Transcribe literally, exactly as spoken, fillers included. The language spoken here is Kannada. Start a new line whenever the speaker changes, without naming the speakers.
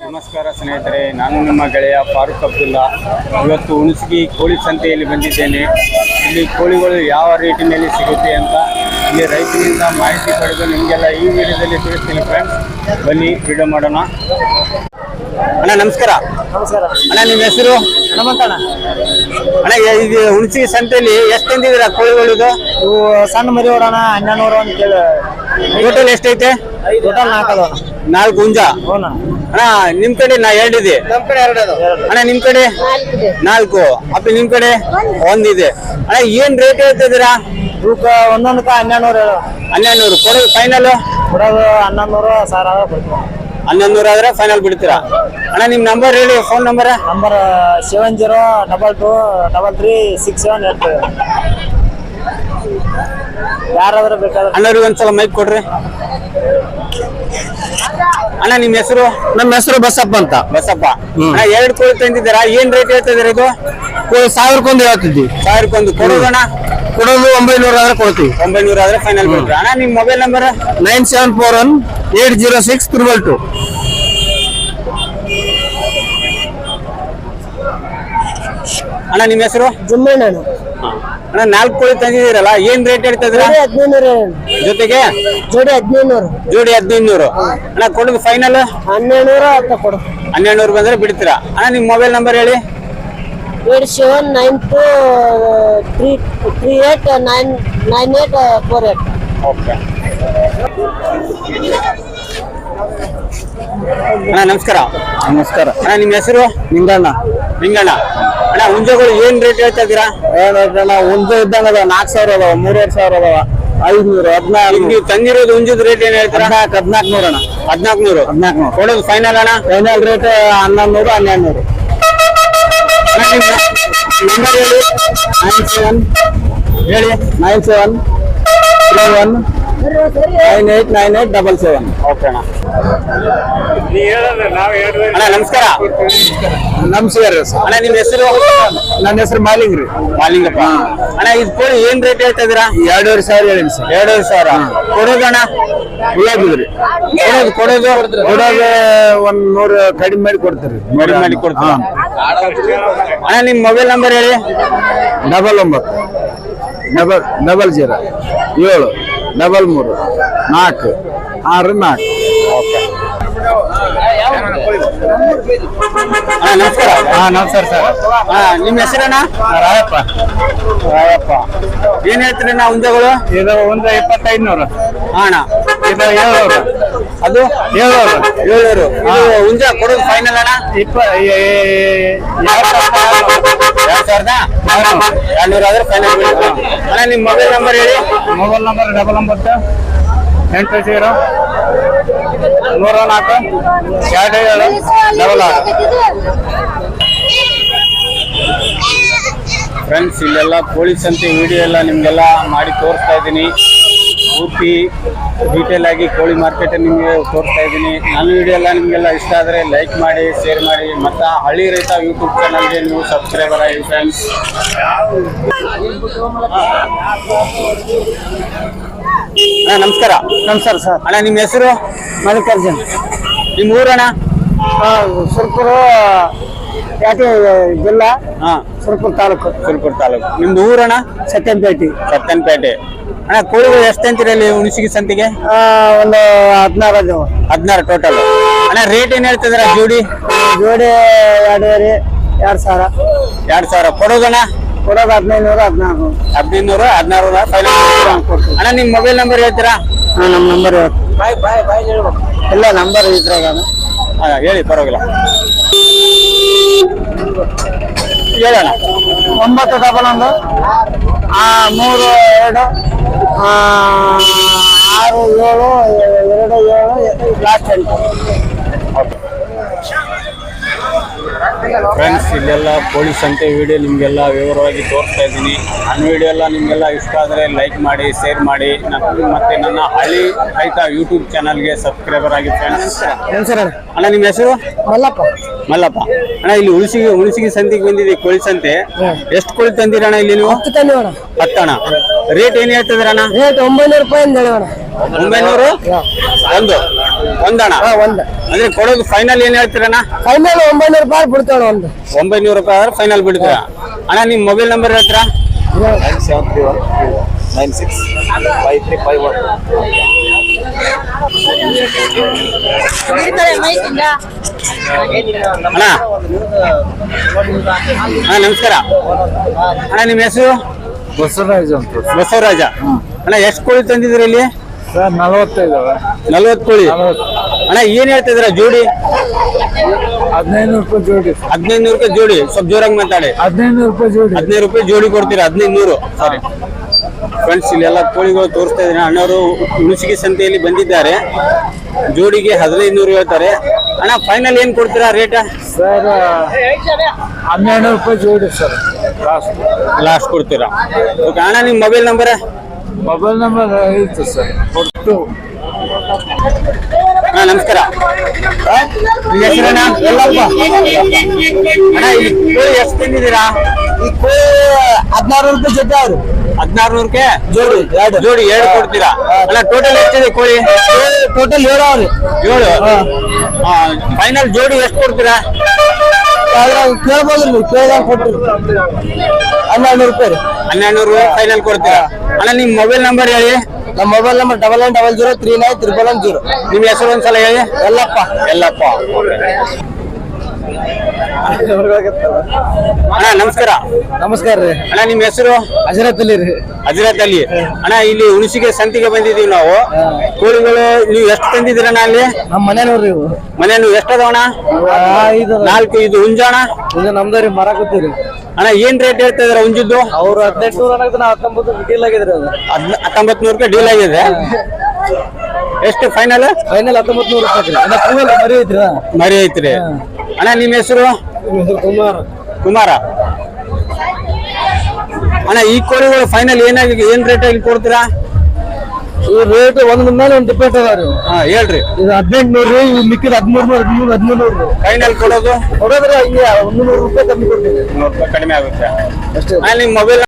ನಮಸ್ಕಾರ ಸ್ನೇಹಿತರೆ, ನಾನು ನಿಮ್ಮ ಗೆಳೆಯ ಫಾರೂಕ್ ಅಬ್ದುಲ್ಲಾ. ಇವತ್ತು ಹುಣಸಗಿ ಕೋಳಿ ಸಂತೆಯಲ್ಲಿ ಬಂದಿದ್ದೇನೆ. ಇಲ್ಲಿ ಕೋಳಿಗಳು ಯಾವ ರೇಟಿನಲ್ಲಿ ಸಿಗುತ್ತೆ ಅಂತ ಇಲ್ಲಿ ರೈತರಿಂದ ಮಾಹಿತಿ ಪಡೆದು ನಿಮಗೆಲ್ಲ ಈ ವಿಡಿಯೋದಲ್ಲಿ ತಿಳಿಸ್ತೀನಿ ಫ್ರೆಂಡ್ಸ್. ಬನ್ನಿ ವಿಡಿಯೋ ಮಾಡೋಣ. ಅಣ್ಣ ನಮಸ್ಕಾರ.
ನಮಸ್ಕಾರ
ಅಣ್ಣ, ನಿಮ್ಮ ಹೆಸರು?
ಹನುಮಂತಣ್ಣ.
ಅಣ್ಣ, ಇದು ಹುಣಸಗಿ ಸಂತೆಯಲ್ಲಿ ಎಷ್ಟು ತಂದಿದ್ದೀರಾ ಕೋಳಿಗಳಿದು?
ಇವು ಸಣ್ಣ ಮರಿ ಹೊಡೋಣ ಹನ್ನೆರಡು ನೂರು ಅಂತ ಹೇಳಿ.
ಟೋಟಲ್ ಎಷ್ಟೈತೆ?
ಟೋಟಲ್ ನಾಲ್ಕು ಅದಾವ.
ನಾಲ್ಕು ಹುಂಜ.
ಹ್ಞೂ
ಅಣ್ಣ, ನಿಮ್ ಕಡೆ ನಾ ಎರಡಿದೆ.
ನಮ್ಮ ಕಡೆ ಎರಡು ಅದಾವ.
ಅಣ್ಣ, ನಿಮ್ ಕಡೆ ನಾಲ್ಕು. ಅಪ್ಪ ನಿಮ್ ಕಡೆ ಒಂದಿದೆ. ಅಣ್ಣ, ಏನ್ ರೇಟ್ ಹೇಳ್ತಿದ್ದೀರಾ?
ಇವಕ್ಕೆ ಒಂದೊಂದಕ್ಕೆ ಹನ್ನೆರಡು ನೂರು
ಹನ್ನೆರಡು ನೂರು ಕೊಡೋದು ಫೈನಲ್?
ಕೊಡೋದು ಹನ್ನೊಂದು ನೂರು ಸಾವಿರ ಆದ್ರೆ ಕೊಡ್ತೀವಿ.
ಹನ್ನೊಂದು ನೂರು ಆದ್ರೆ ಫೈನಲ್ ಬಿಡ್ತೀರಾ? ಅಣ್ಣ, ನಿಮ್ ನಂಬರ್ ಹೇಳಿ, phone number.
Number seven zero double two double three six seven eight two. ಯಾರಾದ್ರೂ ಬೇಕಾದ್ರೆ
ಅಣ್ಣವ್ರಿಗೆ ಒಂದ್ಸಲ ಮೈಕ್ ಕೊಡ್ರಿ. ಅಣ್ಣ, ನಿಮ್ ಹೆಸರು?
ನಮ್ಮ ಹೆಸರು ಬಸಪ್ಪ ಅಂತ.
ಬಸಪ್ಪ. ಅಣ್ಣ, ಎರಡು ಕೋಳಿ ತಂದಿದ್ದೀರಾ, ಏನ್ ರೇಟ್ ಹೇಳ್ತಿದ್ದೀರಾ ಇದು?
ಸಾವಿರಕ್ಕೊಂದು ಹೇಳ್ತಿದ್ವಿ.
ಸಾವಿರಕ್ಕೊಂದು ಕೊಡೋದಣ್ಣ?
ಕೊಡೋದು ಒಂಬೈನೂರು ಆದ್ರೆ ಕೊಡ್ತೀವಿ.
ಒಂಬೈನೂರು ಆದ್ರೆ ಫೈನಲ್ ಬಿಡ್ತೀರಾ? ಅಣ್ಣ, ನಿಮ್ mobile number?
Nine seven four one eight zero six triple two.
ಅಣ್ಣ, ನಿಮ್ ಹೆಸರು?
ಜುಮ್ಮಣ್ಣ.
ಅಣ್ಣ, ನಾಲ್ಕು ಕೋಳಿ ತಂದಿದ್ದೀರಲ್ಲ, ಏನ್ ರೇಟ್ ಹೇಳ್ತಾ ಇದ್ದೀರಾ?
ಹದಿನೈದು
ಜೊತೆಗೆ
ಜೋಡಿ ಹದಿನೈದು ನೂರು.
ಜೋಡಿ ಹದಿನೈದು ನೂರು. ಅಣ್ಣ, ಕೊಡೋದು ಫೈನಲ್
ಹನ್ನೆರಡು ನೂರು ಅಂತ ಕೊಡು.
ಹನ್ನೆರಡು ನೂರು ಬಂದ್ರೆ ಬಿಡ್ತೀರಾ? ಅಣ್ಣ, ನಿಮ್ ಮೊಬೈಲ್ ನಂಬರ್ ಹೇಳಿ.
Eight seven nine two three three eight nine nine eight four eight.
Okay ಅಣ್ಣ, ನಮಸ್ಕಾರ.
ನಮಸ್ಕಾರ.
ಅಣ್ಣ, ನಿಮ್ಮ ಹೆಸರು?
ನಿಂಗಣ್ಣ.
ನಿಂಗಣ್ಣ. ಅಣ್ಣ, ಹುಂಜಗಳು ಏನ್ ರೇಟ್ ಹೇಳ್ತಾ ಇದ್ದೀರಾ?
ಏನಣ್ಣ, ಹುಂಜ ಇದ್ದಂಗ ಅದಾವ. ನಾಲ್ಕು ಸಾವಿರ ಅದಾವ, ಮೂರುವರೆ ಸಾವಿರ ಅದಾವ, ಐದ್ನೂರು, ಹದಿನಾರು.
ನೀವು ತಂದಿರೋದು ಹುಂಜದ ರೇಟ್ ಏನ್ ಹೇಳ್ತೀರಾ?
ಹದಿನಾಲ್ಕು ಹದಿನಾಲ್ಕು ನೂರು ಅಣ್ಣ.
ಹದಿನಾಲ್ಕು ನೂರು.
ಹದಿನಾಲ್ಕು ನೂರು
ಕೊಡೋದು ಫೈನಲ್ ಅಣ್ಣ?
ಫೈನಲ್ ರೇಟ್ ಹನ್ನೊಂದು ನೂರು ಹನ್ನೆರಡು ನೂರು.
ನಂಬರ್ ಹೇಳಿ.
ನೈನ್ ಸೆವೆನ್
ಹೇಳಿ.
Nine seven three one nine eight nine eight double seven.
Okay ಅಣ್ಣ. ಅಣ್ಣ, ನಮಸ್ಕಾರ.
ನಮಸ್ಕಾರ.
ಅಣ್ಣ, ನಿಮ್ಮ ಹೆಸರು?
ನನ್ನ ಹೆಸರು ಮಾಲಿಂಗ್ ರೀ.
ಮಾಲಿಂಗಪ್ಪ. ಅಣ್ಣ, ಇದು ಕೋಳಿ ಏನ್ ರೇಟ್ ಹೇಳ್ತಾ ಇದ್ದೀರಾ?
ಎರಡೂವರೆ ಸಾವಿರ ಹೇಳಿ ಸರ್.
ಎರಡೂವರೆ ಸಾವಿರ. ಕೊಡೋದಣ್ಣ?
ಉಳ್ಳಾಗಿದ್ರಿ
ಕೊಡೋದು ಕೊಡೋದು
ಕೊಡೋದು ಒಂದ್ ನೂರು ಕಡಿಮೆ ಮಾಡಿ ಕೊಡ್ತೀರಿ.
ಕಡಿಮೆ ಮಾಡಿ ಕೊಡ್ತೀರಾ? ಅಣ್ಣ, ನಿಮ್ ಮೊಬೈಲ್ ನಂಬರ್ ಹೇಳಿ.
ಡಬಲ್ ಒಂಬತ್ತು ಡಬಲ್ ಡಬಲ್ ಜೀರೋ ಏಳು ಡಬಲ್ ಮೂರು ನಾಲ್ಕು ಆರು ನಾಲ್ಕು.
ಅಣ್ಣ, ನಮಸ್ಕಾರ.
ಹಾ ನಮಸ್ಕಾರ ಸರ್.
ಹಾ, ನಿಮ್ಮ ಹೆಸರಣ್ಣ?
ರಾಯಪ್ಪ.
ರಾಯಪ್ಪ. ಏನ್ ಹೇಳ್ತೀರಿ ನಾ ಹುಂಜಗಳು?
ಇದು ಒಂದು ಇಪ್ಪತ್ತೈದು ನೂರು.
ಹಾ ಅಣ್ಣ.
ಇದು ಏಳ್ನೂರು.
ಅದು
ಏಳ್ನೂರು.
ಏಳ್ನೂರು. ಇದು ಹುಂಜ ಕೊಡೋದು ಫೈನಲ್ ಅಣ್ಣ?
ಇಪ್ಪ ಎರಡು
ಸಾವಿರದ ಎರಡ್ನೂರ ಆದ್ರೆ ಫೈನಲ್. ಅಣ್ಣ, ನಿಮ್ಮ ಮೊಬೈಲ್ ನಂಬರ್ ಹೇಳಿ.
ಮೊಬೈಲ್ ನಂಬರ್ ಡಬಲ್ ಒಂಬತ್ತು ಎಂಟು ಜೀರೋ ನೂರ ನಾಲ್ಕು ಎರಡು ಏಳು ಡಬಲ್ ಆರು.
ಫ್ರೆಂಡ್ಸ್, ಇಲ್ಲೆಲ್ಲ ಕೋಳಿ ಸಂತೆ ವಿಡಿಯೋ ಎಲ್ಲ ನಿಮಗೆಲ್ಲ ಮಾಡಿ ತೋರಿಸ್ತಾ ಇದ್ದೀನಿ. ಪೂರ್ತಿ ಡೀಟೇಲ್ ಆಗಿ ಕೋಳಿ ಮಾರ್ಕೆಟ್ ನಿಮಗೆ ತೋರಿಸ್ತಾ ಇದ್ದೀನಿ. ನನ್ನ ವಿಡಿಯೋ ಎಲ್ಲ ನಿಮಗೆಲ್ಲ ಇಷ್ಟ ಆದರೆ ಲೈಕ್ ಮಾಡಿ, ಶೇರ್ ಮಾಡಿ, ಮತ್ತು ಹಳ್ಳಿ ರೈತ ಯೂಟ್ಯೂಬ್ ಚಾನಲ್ಗೆ ನೀವು ಸಬ್ಸ್ಕ್ರೈಬರ್ ಆಗಿ ಫ್ರೆಂಡ್ಸ್. ಅಣ್ಣ, ನಮಸ್ಕಾರ.
ನಮಸ್ಕಾರ ಸರ್.
ಅಣ್ಣ, ನಿಮ್ಮ ಹೆಸರು?
ಮಲ್ಲಿಕಾರ್ಜುನ್.
ನಿಮ್ಮ ಊರಣ್ಣ?
ಸುರ್ಪುರ ಪ್ಯಾಟೆ ಜಿಲ್ಲಾ.
ಹಾಂ,
ಸುರ್ಪುರ ತಾಲೂಕು.
ಸುರ್ಪುರ ತಾಲೂಕು. ನಿಮ್ದು ಊರಣ್ಣ?
ಸತ್ಯಂಪೇಟೆ.
ಸತ್ತನಪೇಟೆ. ಅಣ್ಣ, ಕೋಳಿಗಳು ಎಷ್ಟು ಅಂತೀರಿ ಅಲ್ಲಿ ಹುಣಸಗಿ ಸಂತೆಗೆ?
ಒಂದು ಹದಿನಾರು ಅದಾವ.
ಹದಿನಾರು ಟೋಟಲ್. ಅಣ್ಣ, ರೇಟ್ ಏನ್ ಹೇಳ್ತಿದ್ರ ಜೋಡಿ?
ಜೋಡಿ ಎರಡೂವರೆ ಎರಡು ಸಾವಿರ.
ಎರಡ್ ಸಾವಿರ. ಕೊಡೋದಣ್ಣ?
ಕೊಡೋದು ಹದಿನೈದು ನೂರು ಹದಿನಾರು
ಹದಿನೈದು ನೂರು ಹದಿನಾರು ಫೈನಲ್ ಕೊಡ್ತೀವಿ. ಅಣ್ಣ, ನಿಮ್ ಮೊಬೈಲ್ ನಂಬರ್ ಹೇಳ್ತೀರಾ?
ಹಾಂ, ನಮ್ಮ ನಂಬರ್ ಇಲ್ಲ, ನಂಬರ್ ಇದ್ರಾಗ
ಹೇಳಿ, ಪರವಾಗಿಲ್ಲ. ಹೇಳೋಣ.
ಒಂಬತ್ತು ಡಬಲ್ ಒಂದು ಮೂರು ಎರಡು ಆರು ಏಳು ಎರಡು ಏಳು ಲಾಸ್ಟ್ ಎಂಟು.
ಫ್ರೆಂಡ್ಸ್, ಇಲ್ಲೆಲ್ಲ ಕೋಳಿ ಸಂತೆ ವಿಡಿಯೋ ನಿಮಗೆಲ್ಲ ವಿವರವಾಗಿ ತೋರಿಸ್ತಾ ಇದ್ದೀನಿ. ನನ್ನ ವಿಡಿಯೋ ಎಲ್ಲ ನಿಮಗೆಲ್ಲ ಇಷ್ಟ ಆದರೆ ಲೈಕ್ ಮಾಡಿ, ಶೇರ್ ಮಾಡಿ, ಮತ್ತು ನನ್ನ ಹಳ್ಳಿ ರೈತ ಯೂಟ್ಯೂಬ್ ಚಾನಲ್ಗೆ ಸಬ್ಸ್ಕ್ರೈಬರ್ ಆಗಿ ಫ್ರೆಂಡ್ಸ್.
ಏನು ಸರ್?
ಅಣ್ಣ, ನಿಮ್ಮ ಹೆಸರು?
ಮಲ್ಲಪ್ಪ.
ಮಲ್ಲಪ್ಪ ಅಣ್ಣ ಇಲ್ಲಿ ಉಳಿಸಿಗೆ ಉಳಿಸಿಗೆ ಸಂತಿಗೆ ಬಂದಿದೆ ಕೋಳಿ ಸಂತೆ. ಎಷ್ಟು ಕೋಳಿ ತಂದಿರಣ್ಣ ಇಲ್ಲಿ ನೀವು?
ಹತ್ತು ತಂದಿ ಅಣ್ಣ.
ಹತ್ತಣ್ಣ. ರೇಟ್ ಏನ್ ಹೇಳ್ತಿದ್ರಣ್ಣ?
ರೇಟ್ ಒಂಬೈನೂರು ರೂಪಾಯಿ ಅಂತ ಹೇಳಿ ಅಣ್ಣ.
ಒಂಬೈನೂರು ಒಂದು ಒಂದಣ್ಣ.
ಒಂದು
ಅಂದ್ರೆ ಕೊಡೋದು ಫೈನಲ್ ಏನ್ ಹೇಳ್ತೀರಣ್ಣ?
ಫೈನಲ್ ಒಂಬೈನೂರು ರೂಪಾಯಿ ಬಿಡ್ತಾವ ಒಂದು.
ಒಂಬೈನೂರು ರೂಪಾಯಿ ಆದ್ರೆ ಫೈನಲ್ ಬಿಡ್ತೀರಾ ಅಣ್ಣ? ನಿಮ್ ಮೊಬೈಲ್ ನಂಬರ್ ಹೇಳ್ತೀರಾ?
Nine seven three one nine six five three five one.
ಅಣ್ಣ ಅಣ್ಣ ನಮಸ್ಕಾರ ಅಣ್ಣ, ನಿಮ್ಮ ಹೆಸರು?
ಬಸವರಾಜ್ ಅಂತ
ಬಸವರಾಜ. ಅಣ್ಣ ಎಷ್ಟು ಕೋಳಿ ತಂದಿದ್ರಿ ಇಲ್ಲಿ?
ಸರ್ ನಲವತ್ತೈದು
ನಲ್ವತ್ತು ಕೋಳಿ. ಅಣ್ಣ ಏನ್ ಹೇಳ್ತಿದ್ರ ಜೋಡಿ?
ಹದಿನೈದು ರೂಪಾಯಿ ಜೋಡಿ.
ಹದಿನೈದು ರೂಪಾಯಿ ಜೋಡಿ. ಸ್ವಲ್ಪ ಜೋರಾಗಿ ಮಾತಾಡಿ.
ಹದಿನೈದು ರೂಪಾಯಿ ಜೋಡಿ.
ಹದಿನೈದು ರೂಪಾಯಿ ಜೋಡಿ ಕೊಡ್ತೀರಾ? ಹದಿನೈದು ನೂರು. ಸಾರಿ ಫ್ರೆಂಡ್ಸ್, ಇಲ್ಲೆಲ್ಲ ಕೋಳಿಗಳು ತೋರಿಸ್ತಾ ಇದ್ದೀನಿ. ಅಣ್ಣವರು ಹುಣಸಿಗೆ ಸಂತೆಯಲ್ಲಿ ಬಂದಿದ್ದಾರೆ. ಜೋಡಿಗೆ ಹದಿನೈದು ನೂರು ಹೇಳ್ತಾರೆ. ಅಣ್ಣ ಫೈನಲ್ ಏನ್ ಕೊಡ್ತೀರಾ ರೇಟ್?
ಸರ್ ಹನ್ನೆರಡು ರೂಪಾಯಿ ಜೋಡಿ ಸರ್. ಲಾಸ್ಟ್
ಲಾಸ್ಟ್ ಕೊಡ್ತೀರಾ? ಓಕೆ ಅಣ್ಣ, ನಿಮ್ಮ ಮೊಬೈಲ್ ನಂಬರ್?
ಮೊಬೈಲ್ ನಂಬರ್ ಐತೆ ಸರ್. ಒಟ್ಟು
ಅಣ್ಣ ನಮಸ್ಕಾರ. ನಿಮ್ಮ ಹೆಸರಣ್ಣ? ಎಲ್ಲಪ್ಪ. ಅಣ್ಣ ಇಲ್ಲಿ ಕೋಳಿ ಎಷ್ಟು ತಿಂದಿದ್ದೀರಾ?
ಈ ಕೋಳಿ ಹದಿನಾರು ರೂಪಾಯಿ ಜೊತೆ ಅವ್ರು.
ಹದಿನಾರು ನೂರಕ್ಕೆ
ಜೋಡಿ ಎರಡು.
ಜೋಡಿ ಎರಡು ಕೊಡ್ತೀರಾ? ಅಲ್ಲ ಟೋಟಲ್ ಎಷ್ಟಿದೆ ಕೋಳಿ?
ಟೋಟಲ್ ಏಳು ಅವ್ರಿ.
ಏಳು. ಫೈನಲ್ ಜೋಡಿ ಎಷ್ಟು ಕೊಡ್ತೀರಾ?
ಕೇಳ್ಬೋದ್ರಿ, ಕೇಳಿದಾಗ ಕೊಟ್ರಿ ಹನ್ನೆರಡು ನೂರು ರೂಪಾಯಿ ರೀ.
ಹನ್ನೆರಡು ನೂರು ಫೈನಲ್ ಕೊಡ್ತೀರಾ? ಅಣ್ಣ ನಿಮ್ಮ ಮೊಬೈಲ್ ನಂಬರ್ ಹೇಳಿ.
ನಮ್ಮ mobile number double nine double zero three nine triple one zero.
ನಿಮ್ಮ ಹೆಸರು ಒಂದ್ಸಲ ಹೇಳಿ.
ಎಲ್ಲಪ್ಪ.
ಎಲ್ಲಪ್ಪ. ಅಣ್ಣ ನಮಸ್ಕಾರ.
ನಮಸ್ಕಾರ ರೀ.
ಅಣ್ಣ ನಿಮ್ಮ ಹೆಸರು?
ಹಜರತ್ ಅಲಿ ರೀ.
ಹಜರತ್ ಅಲಿ. ಅಣ್ಣ ಇಲ್ಲಿ ಹುಣಸಿಗೆ ಸಂತಿಗೆ ಬಂದಿದ್ದೀವಿ ನಾವು. ಕೋಳಿಗಳು ನೀವು ಎಷ್ಟು ತಂದಿದ್ದೀರಣ್ಣ ಅಲ್ಲಿ?
ನಮ್ಮ ಮನೆ ನೋಡ್ರಿ ಇವು.
ಮನೆ ನೀವು ಎಷ್ಟದವಣ್ಣ?
ಇದು
ನಾಲ್ಕು. ಇದು ಹುಂಜಾಣ?
ಇದು ನಮ್ದರಿ ಮರ ಕೂತೀರಿ.
ಅಣ್ಣ ಏನ್ ರೇಟ್ ಹೇಳ್ತಾ ಇದಾರೆ ಹುಂಜಿದ್ದು?
ಅವ್ರು ಹದಿನೆಂಟು ನೂರ ಅನ್ನೋದು ನಾವು ಹತ್ತೊಂಬತ್ತು ಡೀಲ್ ಆಗಿದ್ರಿ ಅದು.
ಹತ್ತೊಂಬತ್ತು ನೂರು ರೂಪಾಯಿ ಡೀಲ್ ಆಗಿದೆ. ಎಷ್ಟು ಫೈನಲ್?
ಫೈನಲ್ ಹತ್ತೊಂಬತ್ತು ನೂರು ರೂಪಾಯಿ ರೀ. ಅದ ಕೂಲ್ ಮರಿ ಐತ್ರಿ.
ಮರಿ ಐತ್ರಿ. ಅಣ್ಣ ನಿಮ್ಮ ಹೆಸರು?
ಕುಮಾರ್.
ಕುಮಾರ. ಅಣ್ಣ ಈ ಕೋಳಿಗಳು ಫೈನಲ್ ಏನಾಗಿ ಏನ್ ರೇಟ್ ಆಗಿ ಕೊಡ್ತೀರಾ?
ಈ ರೇಟ್ ಒಂದ್ ಮೇಲೆ ಒಂದು ಡಿಪೆಂಡ್ ಅದಾವ್ರಿ.
ಹಾ ಹೇಳ್ರಿ.
ಇದು ಹದಿನೆಂಟು ನೂರು ರೀ. ಇವ್ ಮಿಕ್ಕಿದ ಹದಿಮೂರು ನೂರು ಹದಿಮೂರು ಹದಿಮೂರು ನೂರು.
ಫೈನಲ್ ಕೊಡೋದು?
ಕೊಡೋದ್ರೆ ಹಿಂಗೆ ಒಂದು ನೂರು ರೂಪಾಯಿ ಕಮ್ಮಿ ಕೊಡ್ತೀವಿ.
ನೂರು ರೂಪಾಯಿ ಕಡಿಮೆ ಆಗುತ್ತೆ
ಅಷ್ಟೇ.
ನಿಮ್ಮ ಮೊಬೈಲ್